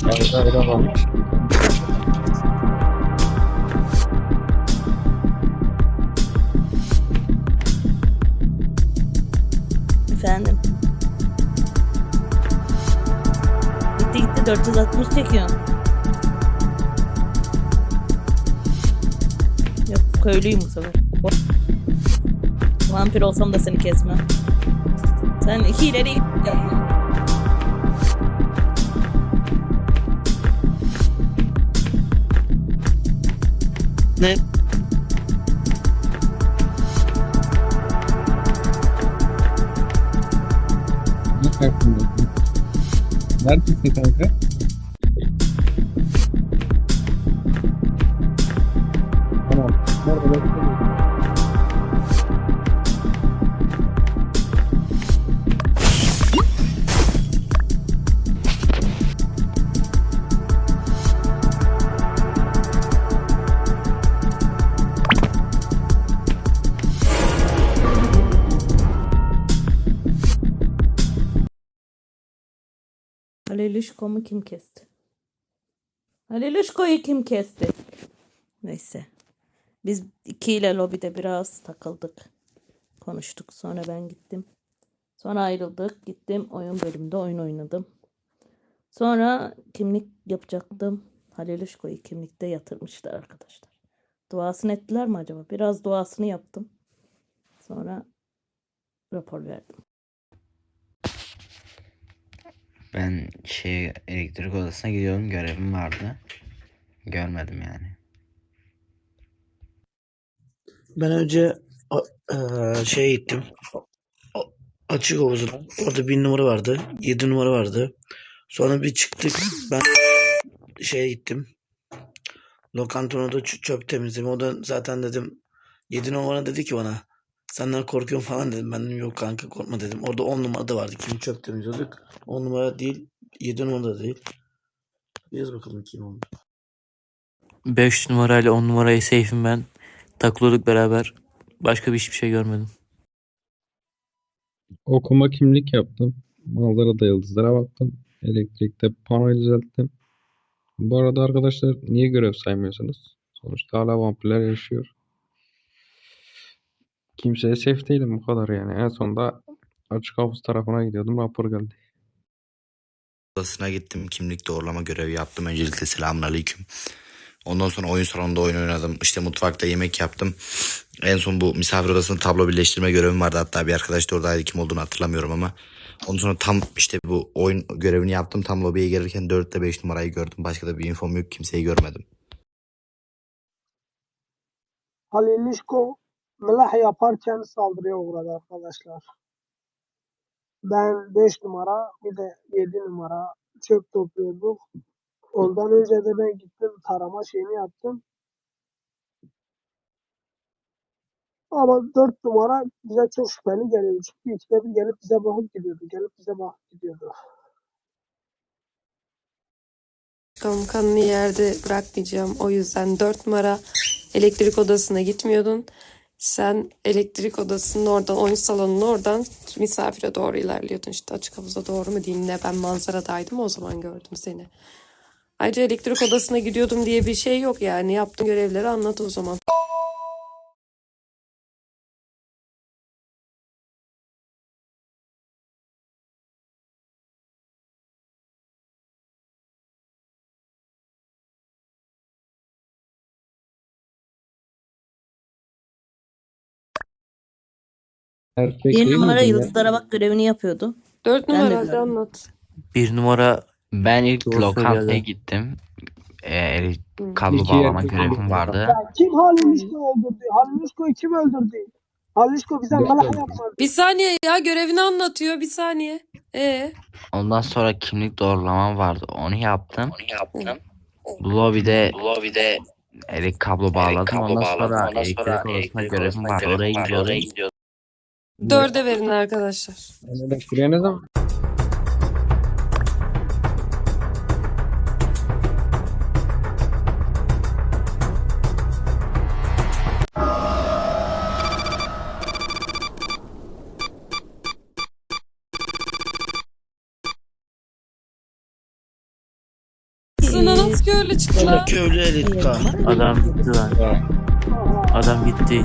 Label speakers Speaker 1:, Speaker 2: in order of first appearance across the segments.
Speaker 1: Evet, öyle var.
Speaker 2: Efendim. Gitti gitti 460 çekiyorsun. Yok köylüyüm bu sefer. Vampir olsam da seni kesmem. Sen hileli yapma.
Speaker 3: Ne?
Speaker 1: Ne farkındasın? Neredesin kanka? Tamam. Orada bekliyorum.
Speaker 2: Haliluşko'mu kim kesti? Haliluşko'yu kim kesti? Neyse. Biz ikiyle lobide biraz takıldık. Konuştuk. Sonra ben gittim. Sonra ayrıldık. Gittim oyun bölümünde oyun oynadım. Sonra kimlik yapacaktım. Haliluşko'yu kimlikte yatırmışlar arkadaşlar. Duasını ettiler mi acaba? Biraz duasını yaptım. Sonra rapor verdim.
Speaker 4: Ben elektrik odasına gidiyorum, görevim vardı. Görmedim yani.
Speaker 3: Ben önce gittim. A- Açık havuzuna. Orada 1 numara vardı. 7 numara vardı. Sonra bir çıktık. Ben gittim. Lokantonada çöp temizledim. O da zaten dedim 7 numara dedi ki bana senden korkuyorum falan dedim. Ben dedim yok kanka korkma dedim. Orada 10 numara da vardı. Kimi çöp temizliyorduk. 10 numara değil 7 numara da değil. Yaz bakalım kim oldu.
Speaker 5: 5 numarayla 10 numarayı safe'im ben. Takılıyorduk beraber. Başka hiçbir şey görmedim.
Speaker 1: Okuma kimlik yaptım. Manzarada yıldızlara baktım. Elektrikte panoyu düzelttim. Bu arada arkadaşlar niye görev saymıyorsunuz? Sonuçta hala vampirler yaşıyor. Kimseye safe değilim bu kadar yani. En sonunda açık havuz tarafına gidiyordum. Rapor geldi.
Speaker 4: Odasına gittim, kimlik doğrulama görevi yaptım. Öncelikle selamünaleyküm. Ondan sonra oyun salonunda oyun oynadım. İşte mutfakta yemek yaptım. En son bu misafir odasında tablo birleştirme görevim vardı. Hatta bir arkadaş da oradaydı, kim olduğunu hatırlamıyorum ama. Ondan sonra tam işte bu oyun görevini yaptım. Tam lobiye gelirken 4 ile 5 numarayı gördüm. Başka da bir infom yok. Kimseyi görmedim.
Speaker 6: Halilişko mlah yaparken saldırıya uğradı arkadaşlar. Ben 5 numara bir de 7 numara çöp topluyorduk. Ondan önce de ben gittim tarama şeyini yaptım. Ama 4 numara bize çok şüpheli geliyordu. Çünkü ikide bir gelip bize bakıp gidiyordu. Gelip bize bakıp gidiyordu.
Speaker 7: Kanını yerde bırakmayacağım. O yüzden 4 numara elektrik odasına gitmiyordun. Sen elektrik odasının oradan, oyun salonunun oradan misafire doğru ilerliyordun. İşte açık havuza doğru mu diyeyim ne, ben manzaradaydım o zaman gördüm seni. Ayrıca elektrik odasına gidiyordum diye bir şey yok yani. Yaptığın görevleri anlat o zaman.
Speaker 1: Erkek
Speaker 2: Bir
Speaker 1: değil
Speaker 2: numara
Speaker 1: miydin ya?
Speaker 2: yıldızlara bak görevini yapıyordu.
Speaker 7: 4
Speaker 2: Ben de
Speaker 7: numara hadi
Speaker 2: gördüm.
Speaker 7: anlat.
Speaker 5: 1 numara
Speaker 4: Ben ilk
Speaker 5: doğru
Speaker 4: lokantaya
Speaker 5: söylüyordu.
Speaker 4: gittim.
Speaker 7: Hı.
Speaker 4: Kablo
Speaker 1: İki
Speaker 4: bağlama
Speaker 1: erkek
Speaker 4: görevim
Speaker 1: birlikte
Speaker 4: vardı.
Speaker 6: Ya kim Halilişko'yu öldürdü? Halilişko'yu kim öldürdü? Halilişko bize
Speaker 1: Ben
Speaker 6: mlah
Speaker 1: de-
Speaker 6: yapmadı.
Speaker 7: Bir saniye ya, görevini anlatıyor, bir saniye.
Speaker 4: Ondan sonra kimlik doğrulamam vardı. Onu yaptım.
Speaker 7: Hı.
Speaker 4: Bu lobide kablo bağladım. Ondan sonra elektrik odasına görevim vardı. Oraya gidiyordum.
Speaker 7: 4'e verin arkadaşlar.
Speaker 1: Ben elektriğe ne zaman
Speaker 7: yanına nasıl köylü çıktı lan?
Speaker 3: Köylü elit Kaan.
Speaker 5: Adam gitti lan. Adam gitti.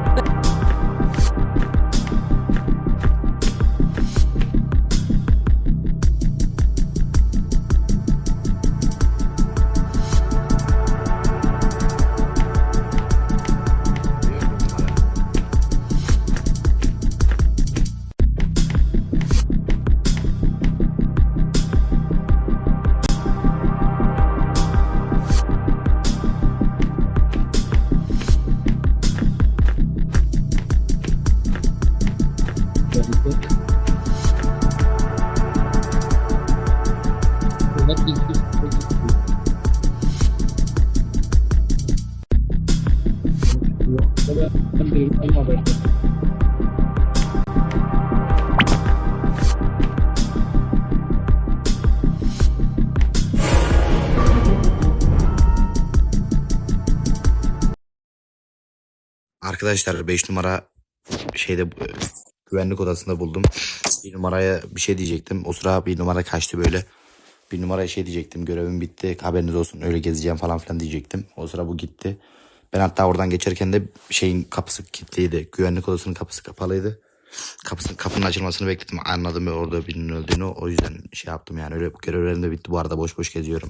Speaker 4: Arkadaşlar 5 numara şeyde güvenlik odasında buldum. Bir numaraya bir şey diyecektim. O sıra bir numara kaçtı böyle. Bir numaraya şey diyecektim. Görevim bitti. Haberiniz olsun. Öyle gezeceğim falan filan diyecektim. O sıra bu gitti. Ben hatta oradan geçerken de şeyin kapısı kilitliydi. Güvenlik odasının kapısı kapalıydı. Kapının açılmasını bekledim. Anladım orada birinin öldüğünü. O yüzden şey yaptım yani. Öyle görevlerim de bitti. Bu arada boş boş geziyorum.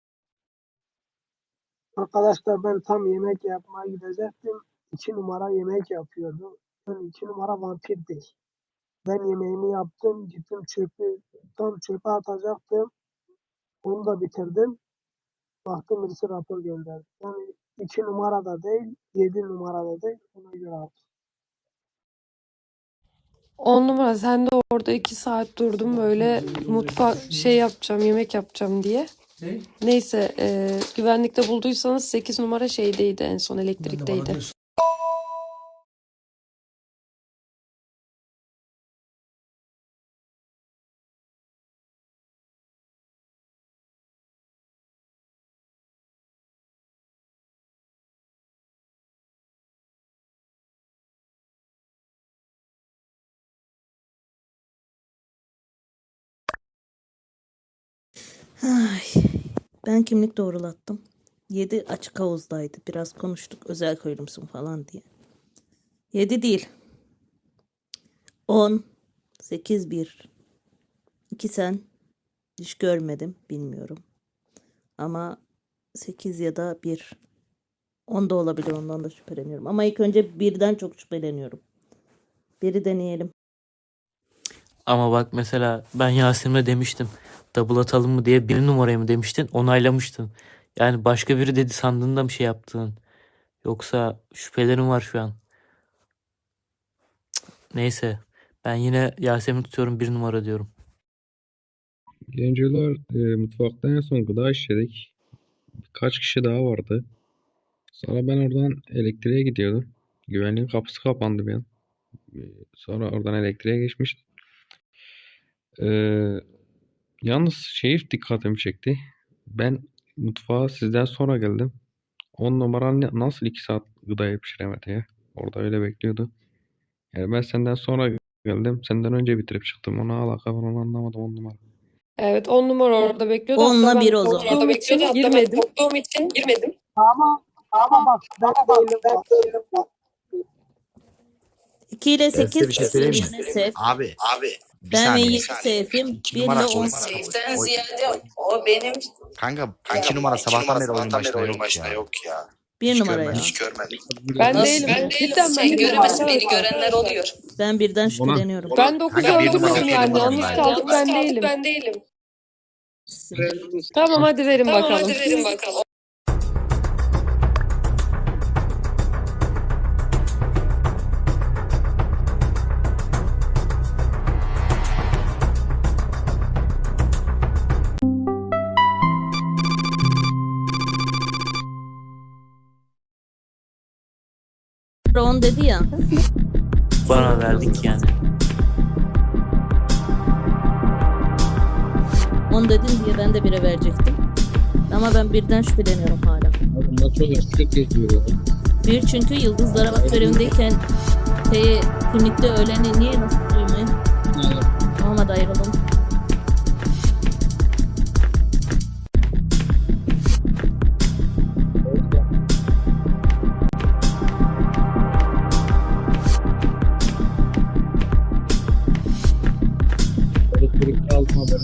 Speaker 6: Arkadaşlar ben tam yemek yapmaya gidecektim. 2 numara yemek yapıyordu. Yani 2 numara vampir değil. Ben yemeğimi yaptım. Gittim tam çöpe atacaktım. Onu da bitirdim. Baktım birisi rapor gönderdi. Yani 2 numarada değil, 7 numarada değil. Ona göre aldım.
Speaker 7: 10 numara sen de orada 2 saat durdum böyle mutfak yapacağım, yemek yapacağım diye. Neyse güvenlikte bulduysanız 8 numara şeydeydi, en son elektrikteydi.
Speaker 2: Ay, ben kimlik doğrulattım. 7 açık havuzdaydı. Biraz konuştuk özel köylümsün falan diye. 7 değil. 10, 8, 1. 2 sen. Hiç görmedim. Bilmiyorum. Ama 8 ya da 1. 10 da olabilir. Ondan da şüpheleniyorum. Ama ilk önce birden çok şüpheleniyorum. Biri deneyelim.
Speaker 5: Ama bak mesela ben Yasemin'e demiştim. Double atalım mı diye, 1 numarayı mı demiştin, onaylamıştın. Yani başka biri dedi sandığında mı şey yaptın? Yoksa şüphelerim var şu an. Neyse. Ben yine Yasemin tutuyorum, 1 numara diyorum.
Speaker 1: Gençler mutfakta en son gıda işledik. Birkaç kişi daha vardı. Sonra ben oradan elektriğe gidiyordum. Güvenliğin kapısı kapandı bir an. Sonra oradan elektriğe geçmiştim. Yalnız şey dikkatimi çekti. Ben mutfağa sizden sonra geldim. 10 numara nasıl 2 saat gıdayı pişiremedi ya? Orada öyle bekliyordu. Yani ben senden sonra geldim. Senden önce bitirip çıktım. Ona alaka var onu anlamadım 10 numara.
Speaker 7: Evet 10 numara orada bekliyordu.
Speaker 2: 10'la
Speaker 7: Hatta
Speaker 2: 1
Speaker 7: ben
Speaker 2: o zaman.
Speaker 7: korktuğum için girmedim.
Speaker 6: Ama bak ben değilim. Bak.
Speaker 2: 2 ile
Speaker 4: Ben size
Speaker 2: 8
Speaker 4: bir şey söyleyeyim mi?
Speaker 2: yine safe.
Speaker 4: Abi bir
Speaker 2: Ben ve
Speaker 4: saniye.
Speaker 2: 7 safe'im.
Speaker 4: 2
Speaker 2: 1
Speaker 4: numara
Speaker 2: ile 10
Speaker 8: Safe'den ziyade o benim
Speaker 4: Kanka 2 numara sabahtan beri oyunun başında yok ya.
Speaker 2: 1
Speaker 4: Hiç
Speaker 2: numara ya.
Speaker 4: görmedim.
Speaker 7: Ben
Speaker 2: Nasıl?
Speaker 7: değilim. Cidden ben
Speaker 8: sen
Speaker 7: değilim.
Speaker 8: göremezsin, beni görenler oluyor.
Speaker 2: Ben birden şüpheleniyorum.
Speaker 7: Ben 9
Speaker 4: Kanka, bir numara
Speaker 7: öldürmedim yani.
Speaker 4: söyleyeyim
Speaker 7: Yalnız
Speaker 4: ben.
Speaker 7: kaldık, ben değilim. Tamam hadi verin bakalım.
Speaker 2: Sonra 10 dedi ya.
Speaker 5: Bana verdik yani.
Speaker 2: 10 dedin diye ben de 1'e verecektim. Ama ben birden şüpheleniyorum hala.
Speaker 1: Bunlar çok açık geçiyor.
Speaker 2: 1 çünkü yıldızlara bak görevindeyken kimlikte öleni niye nasıl duymayın? Olmadı ayrılın.
Speaker 1: Birlikte aldım haberi.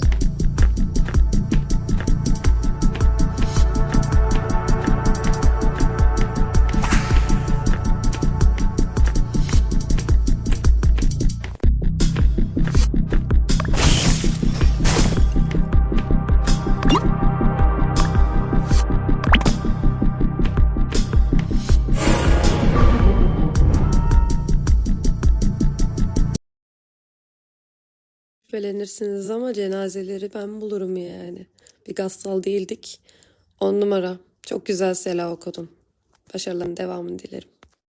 Speaker 7: Şüphelenirsiniz ama cenazeleri ben bulurum yani. Bir gassal değildik. 10 numara. Çok güzel Sela okudun. Başarıların devamını dilerim.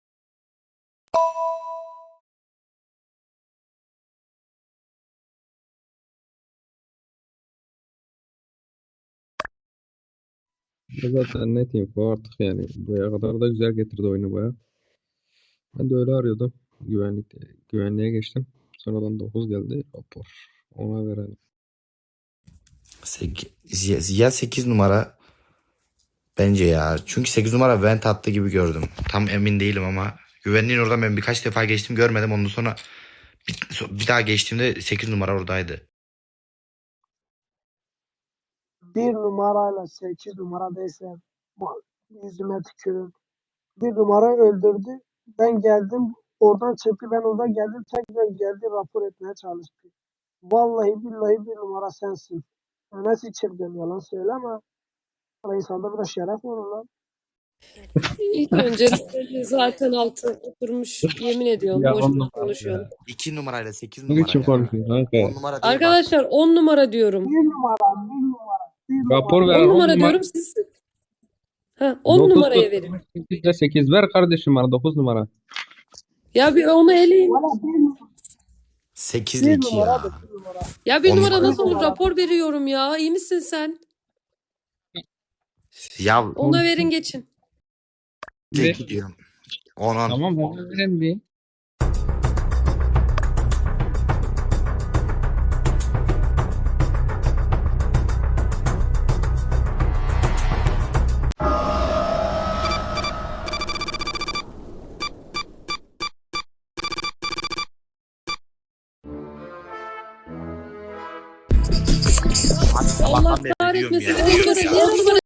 Speaker 1: Zaten net info artık yani. Buraya kadar da güzel getirdi oyunu baya. Ben de öyle arıyordum. Güvenliğe geçtim. Sonradan 9 geldi. Rapor. Ona verelim.
Speaker 4: Ya 8 numara bence ya. Çünkü 8 numara vent attı gibi gördüm. Tam emin değilim ama. Güvenliğin oradan ben birkaç defa geçtim görmedim. Ondan sonra bir daha geçtiğimde 8 numara oradaydı.
Speaker 6: 1 numarayla 8 numara desem yüzüme tükürür. 1 numara öldürdü. Ben geldim. Oradan çıktı. Ben orada geldim. Tekrar geldi. Rapor etmeye çalıştı. Vallahi billahi 1 numara sensin. Nasıl çılgın yalan söyleme. İnsanda biraz şeref olur lan.
Speaker 7: İlk önce zaten altı oturmuş. Yemin ediyorum.
Speaker 1: Ya 10
Speaker 7: Boşuna
Speaker 1: numara
Speaker 7: konuşuyorum.
Speaker 1: ya.
Speaker 4: 2 numarayla 8
Speaker 1: Ne
Speaker 4: numara
Speaker 1: biçim
Speaker 4: ya.
Speaker 1: konuşuyorsun kanka?
Speaker 4: 10 numara değil bak.
Speaker 7: Arkadaşlar 10 numara diyorum.
Speaker 6: 1 numara, 1 numara, 1
Speaker 1: Rapor
Speaker 6: numara.
Speaker 1: ver.
Speaker 7: 10
Speaker 1: 10
Speaker 7: numara
Speaker 1: numara.
Speaker 7: diyorum siz. Ha, 10
Speaker 1: 9
Speaker 7: numaraya verin.
Speaker 1: 8 ile 8 ver kardeşim bana 9 numara.
Speaker 7: Ya bir onu eleyin.
Speaker 6: Valla
Speaker 4: 8 ile
Speaker 6: 1
Speaker 4: 2
Speaker 6: numara
Speaker 4: ya.
Speaker 6: da 1 numara.
Speaker 7: Ya bir
Speaker 4: 10
Speaker 7: numara
Speaker 4: numara.
Speaker 7: nasıl olur?
Speaker 6: numara.
Speaker 7: Rapor veriyorum ya. İyi misin sen?
Speaker 4: Ya
Speaker 7: Ona verin geçin.
Speaker 4: 2 diyorum. 10
Speaker 1: Tamam ben vereyim bir.
Speaker 4: Abi
Speaker 7: Allah
Speaker 4: sabahtan beri diyorum
Speaker 7: kahretmesin.
Speaker 4: ya.
Speaker 7: 10 numara. Diğer numara